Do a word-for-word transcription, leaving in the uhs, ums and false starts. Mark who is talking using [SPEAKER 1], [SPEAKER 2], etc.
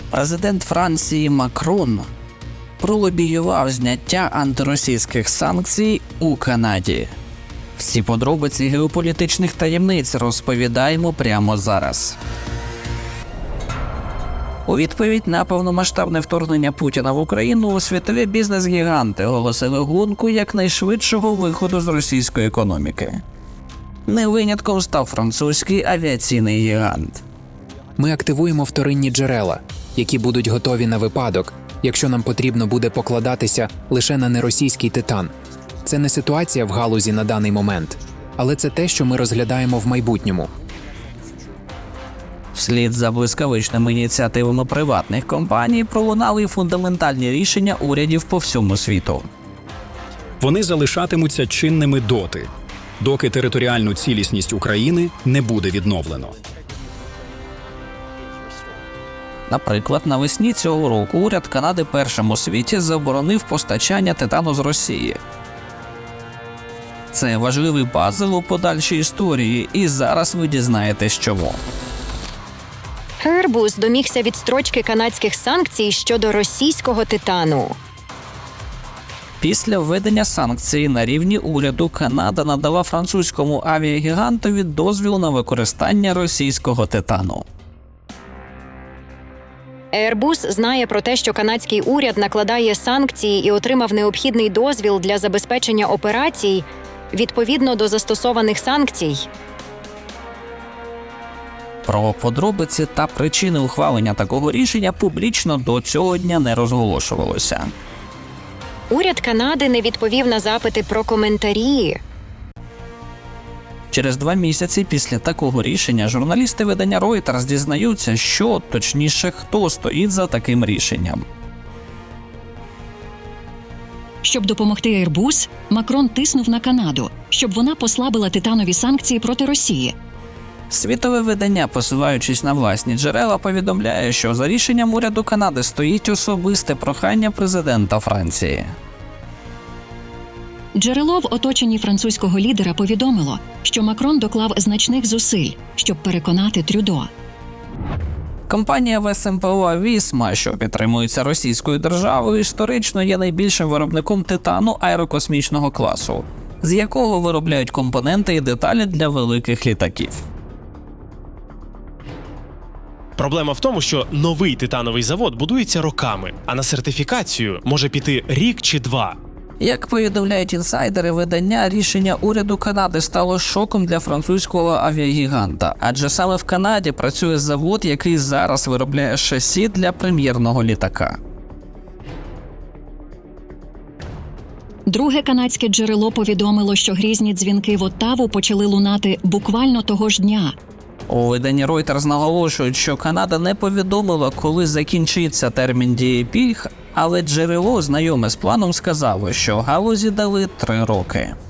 [SPEAKER 1] Президент Франції Макрон пролобіював зняття антиросійських санкцій у Канаді. Всі подробиці геополітичних таємниць розповідаємо прямо зараз. У відповідь на повномасштабне вторгнення Путіна в Україну світові бізнес-гіганти оголосили гонку якнайшвидшого виходу з російської економіки. Не винятком став французький авіаційний гігант.
[SPEAKER 2] Ми активуємо вторинні джерела, які будуть готові на випадок, якщо нам потрібно буде покладатися лише на неросійський титан. Це не ситуація в галузі на даний момент, але це те, що ми розглядаємо в майбутньому.
[SPEAKER 1] Вслід за блискавичними ініціативами приватних компаній пролунали фундаментальні рішення урядів по всьому світу.
[SPEAKER 3] Вони залишатимуться чинними доти, доки територіальну цілісність України не буде відновлено.
[SPEAKER 1] Наприклад, навесні цього року уряд Канади першим у світі заборонив постачання титану з Росії. Це важливий пазл у подальшій історії, і зараз ви дізнаєтесь чому.
[SPEAKER 4] Airbus домігся відстрочки канадських санкцій щодо російського титану.
[SPEAKER 1] Після введення санкцій на рівні уряду Канада надала французькому авіагігантові дозвіл на використання російського титану.
[SPEAKER 4] Airbus знає про те, що канадський уряд накладає санкції і отримав необхідний дозвіл для забезпечення операцій відповідно до застосованих санкцій.
[SPEAKER 1] Про подробиці та причини ухвалення такого рішення публічно до цього дня не розголошувалося.
[SPEAKER 4] Уряд Канади не відповів на запити про коментарі.
[SPEAKER 1] Через два місяці після такого рішення журналісти видання Reuters дізнаються, що, точніше, хто стоїть за таким рішенням.
[SPEAKER 5] Щоб допомогти Airbus, Макрон тиснув на Канаду, щоб вона послабила титанові санкції проти Росії.
[SPEAKER 1] Світове видання, посилаючись на власні джерела, повідомляє, що за рішенням уряду Канади стоїть особисте прохання президента Франції.
[SPEAKER 5] Джерело в оточенні французького лідера повідомило, що Макрон доклав значних зусиль, щоб переконати Трюдо.
[SPEAKER 1] Компанія ве ес ем пе о «Вісма», що підтримується російською державою, історично є найбільшим виробником титану аерокосмічного класу, з якого виробляють компоненти і деталі для великих літаків.
[SPEAKER 6] Проблема в тому, що новий титановий завод будується роками, а на сертифікацію може піти рік чи два.
[SPEAKER 1] Як повідомляють інсайдери видання, рішення уряду Канади стало шоком для французького авіагіганта, адже саме в Канаді працює завод, який зараз виробляє шасі для прем'єрного літака.
[SPEAKER 5] Друге канадське джерело повідомило, що грізні дзвінки в Оттаву почали лунати буквально того ж дня.
[SPEAKER 1] У виданні Reuters наголошують, що Канада не повідомила, коли закінчиться термін дії пільг, але джерело, знайоме з планом, сказало, що галузі дали три роки.